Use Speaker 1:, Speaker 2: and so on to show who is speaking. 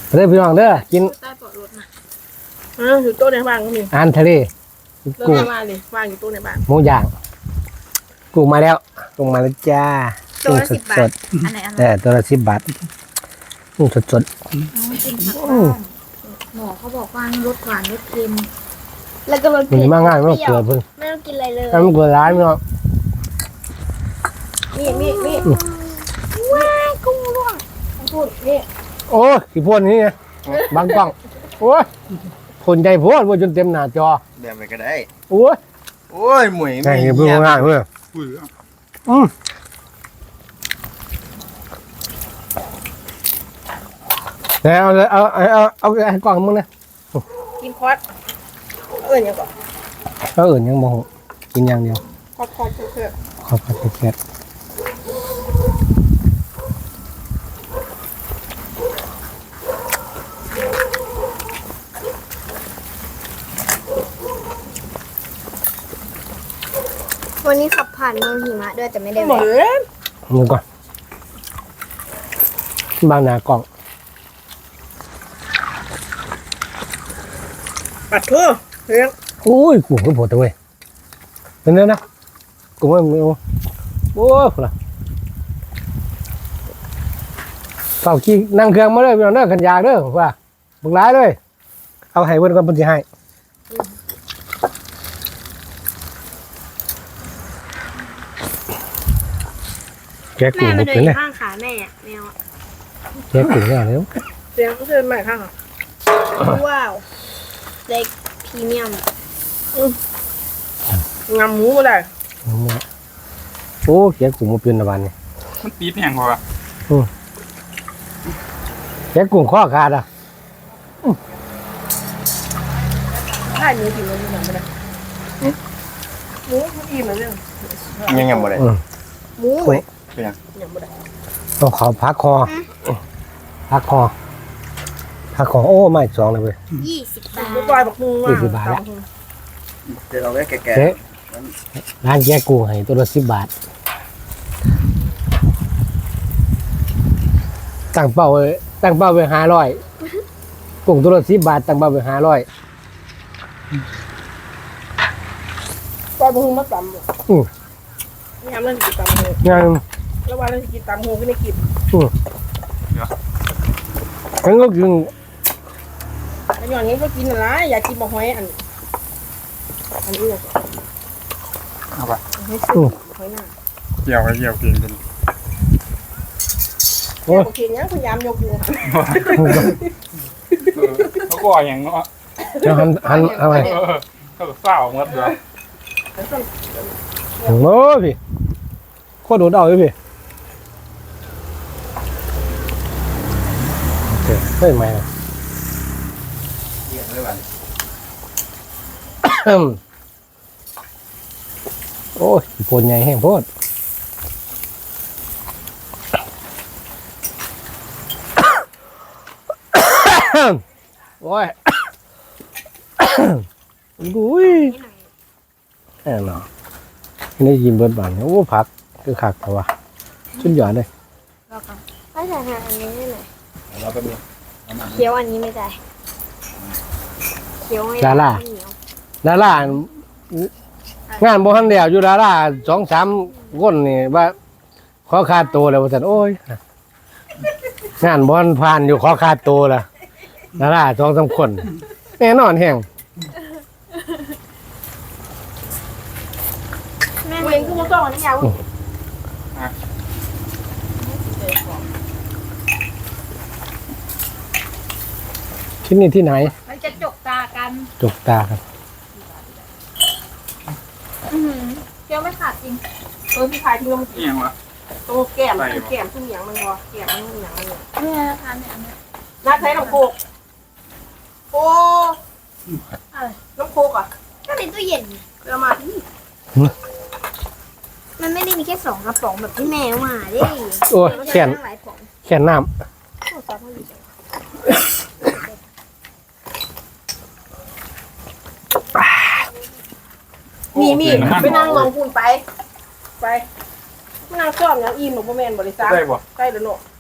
Speaker 1: เด้อพี่น้องเด้อกิน
Speaker 2: ใต้ปอดรถนะอยู่โต๊ะในบ้านก็มี
Speaker 1: อาหารทะเล
Speaker 2: เริ่
Speaker 1: กุ้ง
Speaker 2: มมาเลยวางอยู่โต๊ะในบ้าน
Speaker 1: หมูย่างกุ้งมาแล้วกุ้งมาแล้วจ้า
Speaker 3: ตัวละ
Speaker 1: กุ้ง
Speaker 3: 10 บา
Speaker 1: ส
Speaker 3: ท
Speaker 1: ด
Speaker 3: อันไหนอ
Speaker 1: ๆ
Speaker 3: ร่อย
Speaker 1: ตัวละ10 บาทกุ้งสด
Speaker 3: กินผักบ้างหมอเขาบอกว่ารสหวานรสเค็มแล้วก็รส
Speaker 1: ๆมันมาง่ายไม่ต้องเกลือเพิ่ง
Speaker 3: ไม่ต้องกินอะไรเลย
Speaker 1: ถ้ามันเกลือร้ายไม่ต้อง
Speaker 2: นี่
Speaker 3: ว้ายกุ้งร่วง
Speaker 2: พูดนี่
Speaker 1: โอ้ยขี้พ่นนี่ไงบางกล้องโอ้ยพ่นใจพ่นว่าจนเต็มหน้าจอ
Speaker 4: แบบไปก็ได้
Speaker 1: โอ้ย
Speaker 4: โอ้ยหมวย
Speaker 1: ง่ายเพิ่งง่ายเพื่อแล้วเอากล่องมึงนะ
Speaker 2: กินคอสอย่างก่อน
Speaker 1: ก็อื่นยังโมโหกินอย่างเดียว
Speaker 2: คอสเพื่อ
Speaker 1: ขอบคุณแค่
Speaker 3: วันนี้ขับผ่านเมืองหิมะด้วยแต่ไม่ได้
Speaker 2: เหมื
Speaker 3: แวะ
Speaker 2: อน
Speaker 1: มึงก่อนบางนากล่อง
Speaker 2: ปัดทั่วเรื่อง
Speaker 1: อุ้ยกูก็ปวดตัวเว้ยเป็นเนื้อนะกูไม่เอาโอ้ยพุ่นละเฝ้าขี้นั่งเครื่องมาเลยพี่น้องเด้อขันยากเด้อว่าบุกร้ายเลยเอาให้เพิ่นก่อนเพิ่นสิให้แกกู
Speaker 3: แม่
Speaker 1: บ่
Speaker 3: มาเดิ
Speaker 1: เป็น
Speaker 3: น
Speaker 1: เลย
Speaker 3: ข้างขาแม่อะแมวอะ
Speaker 1: แกกูเนี่ยเร็ว
Speaker 2: เสียงเชิญใหม่ข้าง
Speaker 3: ว้าวเล็กพรีเมียม
Speaker 2: งำหมูก็ได้
Speaker 1: โอ้แกกูบ่เป็นละวันนี่
Speaker 4: มันปี๊ดแห้งพอ
Speaker 1: แกกูข้อขาดอ่ะ
Speaker 2: ถ้าหมูกินมันยังไม่ได้หมูเขาอิ่มแล้วเนี่ย
Speaker 4: ยังบ่ได้
Speaker 2: หมู
Speaker 1: โอ้ย
Speaker 2: ยังไม่ได้
Speaker 1: ต้องเขาพักคอพักคอพักคอโอ้ไม่สองเลยเว้ย
Speaker 3: 20 บาท
Speaker 2: หมูปลายบักมุง
Speaker 1: 20 บาทละ
Speaker 4: เดี๋ยวเอาไว้แก่
Speaker 1: เจ๊ร้านแกกูให้ตัวละ10 บาทตั้งเป้าไว้500กุ้งตัวละ10 บาทตั้งเป้าไว้500
Speaker 2: ปลายบักมุงมาตำนี่ทำเรื่องกินตำหู
Speaker 1: งาน
Speaker 2: แล้ววันนั้นกินตำหูก็ไม่กิน
Speaker 1: ฉันก็กิน
Speaker 2: แต่อย่างนี้ก็กินอะไรอยากกินบะหอยอันนี้เลย
Speaker 4: ๆเอาไป
Speaker 2: ให้ซื้อหอยหน้า
Speaker 4: เกี่ยวเกี่ยวกินกัน
Speaker 2: โอเคเนี้ยพยายามยกมือ
Speaker 4: เขาก็อย่างเนาะ
Speaker 1: จะหันอะไร
Speaker 4: เขาเศร้าหมดเลย
Speaker 1: โอ้พี่โคตรโดดเอาเลยพี่โอเคเฮ้ยไม่นะ
Speaker 4: เกี่ยวเลยวัน
Speaker 1: โอ้ยปวดใหญ่แห้งโพดโอ้ยอุ้ยแน่นอนนี่ยินเบิร์ดบานโอ้ผักคือขักแต่ว่าชุดหยอดเลย
Speaker 3: ก็ใส่ทานอันนี้ให้หน่อย
Speaker 4: เราเป็น
Speaker 3: เคี้ยวอันนี้ไม่ได้เคี้ยวไม่ได้
Speaker 1: ดารา
Speaker 3: เหนียว
Speaker 1: ดารางานบ่ทันเดียวอยู่ดารา2-3คนนี่ว่าขอค่าตัวแล้วว่าซั่นโอ้ยงานบ่ทันผ่านอยู่ขอค่าตัวล่ะดารา2-3คนแน่นอนแฮง
Speaker 3: แม่
Speaker 2: เองคือมันต้องอันนี้ยาว
Speaker 1: ที่นี่ที่ไหน
Speaker 3: มันจะจกตากัน
Speaker 1: จกตาครับ
Speaker 3: เคี้ยวไม่ขาดจริง
Speaker 2: พี่ชายที่มัน
Speaker 4: เอียงวะ
Speaker 2: ตัวแก้มทุกอย่างมันวะแก้มมันอย่างมัน
Speaker 3: เนี่ยทานเนี่ยอันเนี้ย
Speaker 2: น่าใช้น้ำโคกโอ้น้ำโคกอ่ะ
Speaker 3: ก็ในตู้เย็น
Speaker 2: เอามาที่
Speaker 3: มันไม่ได้มีแค่2 กระป๋องแบบที่แม่เอามาดิ
Speaker 1: โอ้ย
Speaker 3: มัน
Speaker 1: แค่น
Speaker 3: หลายป๋อง
Speaker 1: แค่นน้
Speaker 2: มีไปนั่งมองคุณไปไม่นั่งชอบอย่างอิ่มหนูพ่อแม่บริษัท
Speaker 4: ได้บ่
Speaker 2: ใกล้แล้วเนาะ